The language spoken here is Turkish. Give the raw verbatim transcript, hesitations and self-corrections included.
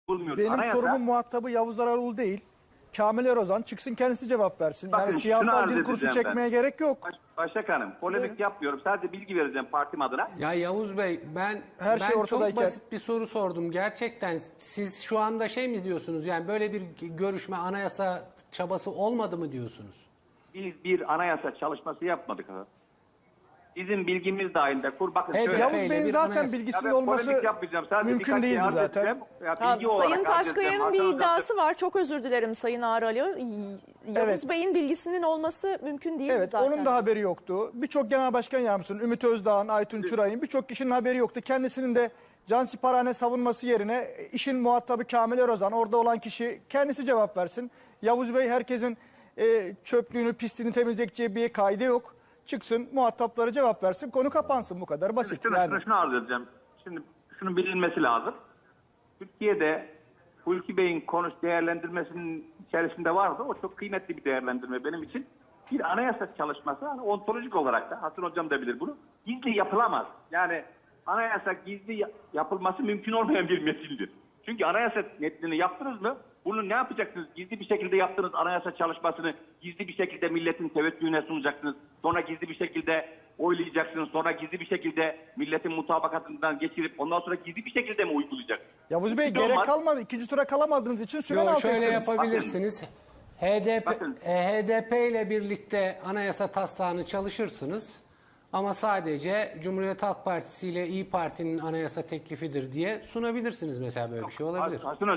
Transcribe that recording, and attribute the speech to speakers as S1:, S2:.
S1: bulmuyoruz.
S2: Benim
S1: Anayasa,
S2: sorumun muhatabı Yavuz Ararul değil. Kamil Erozan çıksın kendisi cevap versin.
S1: Bakın,
S2: Yani
S1: şunu
S2: siyasal
S1: arz
S2: dil kursu
S1: edeceğim
S2: çekmeye
S1: ben.
S2: gerek yok.
S1: Baş, Başak Hanım, polemik
S3: Buyurun.
S1: yapmıyorum. Sadece bilgi vereceğim partim adına.
S4: Ya Yavuz Bey, ben
S2: Her şey
S4: ben
S2: ortadayken-
S4: çok basit bir soru sordum. Gerçekten siz şu anda şey mi diyorsunuz? Yani böyle bir görüşme, anayasa çabası olmadı mı diyorsunuz?
S1: Biz bir anayasa çalışması yapmadık. Ha. Bizim bilgimiz dahilinde kur. Bakın
S4: Evet,
S1: şöyle.
S2: Yavuz
S4: Öyle
S2: Bey'in
S4: bir
S2: zaten
S4: anayasa-
S1: Ya
S2: bilgisinin
S1: ben
S2: olması
S1: polemik yapmayacağım. Sadece
S2: mümkün
S1: birkaç şey
S2: değildi
S1: arz
S2: zaten.
S1: edeceğim. Ya,
S3: Ha,
S1: bilgi olarak
S3: Sayın
S1: arz edeceğim.
S3: Taşkaya'nın bir
S1: Hasan Hocam da-
S3: iddiası var. Çok özür dilerim Sayın Ağralı. Yavuz
S2: Evet.
S3: Bey'in bilgisinin olması mümkün değil
S2: Evet,
S3: zaten.
S2: onun da haberi yoktu. Birçok genel başkan yardımcısının, Ümit Özdağ'ın, Aytun Çıray'ın birçok kişinin haberi yoktu. Kendisinin de cansiparhane savunması yerine işin muhatabı Kamil Erozan, orada olan kişi kendisi cevap versin. Yavuz Bey herkesin e, çöplüğünü, pisliğini temizleyeceği bir kaydı yok. Çıksın, muhatapları cevap versin, konu kapansın, bu kadar basit.
S1: Şunu,
S2: yani.
S1: şunu, şunu arz edeceğim. Şimdi şunun bilinmesi lazım. Türkiye'de Hulki Bey'in konuş değerlendirmesinin içerisinde vardı. O çok kıymetli bir değerlendirme benim için. Bir anayasa çalışması hani ontolojik olarak da Hasan Hocam da bilir bunu. Gizli yapılamaz. Yani anayasa gizli ya- yapılması mümkün olmayan bir metindir. Çünkü anayasa metnini yaptınız mı bunu ne yapacaksınız? Gizli bir şekilde yaptığınız anayasa çalışmasını gizli bir şekilde milletin teveccühüne sunacaksınız. Sonra gizli bir şekilde oylayacaksınız. Sonra gizli bir şekilde milletin mutabakatından geçirip ondan sonra gizli bir şekilde mi uygulayacaksınız?
S2: Yavuz Bey
S1: Hiçbir
S2: gerek
S1: olmaz.
S2: kalmadı. İkinci tura kalamadığınız için süren
S4: Yok,
S2: altı
S4: şöyle
S2: ettiniz.
S4: yapabilirsiniz. H D P,
S1: Bakın.
S4: e, H D P ile birlikte anayasa taslağını çalışırsınız. Ama sadece Cumhuriyet Halk Partisi ile İyi Parti'nin anayasa teklifidir diye sunabilirsiniz mesela, böyle bir şey olabilir.
S1: Hasan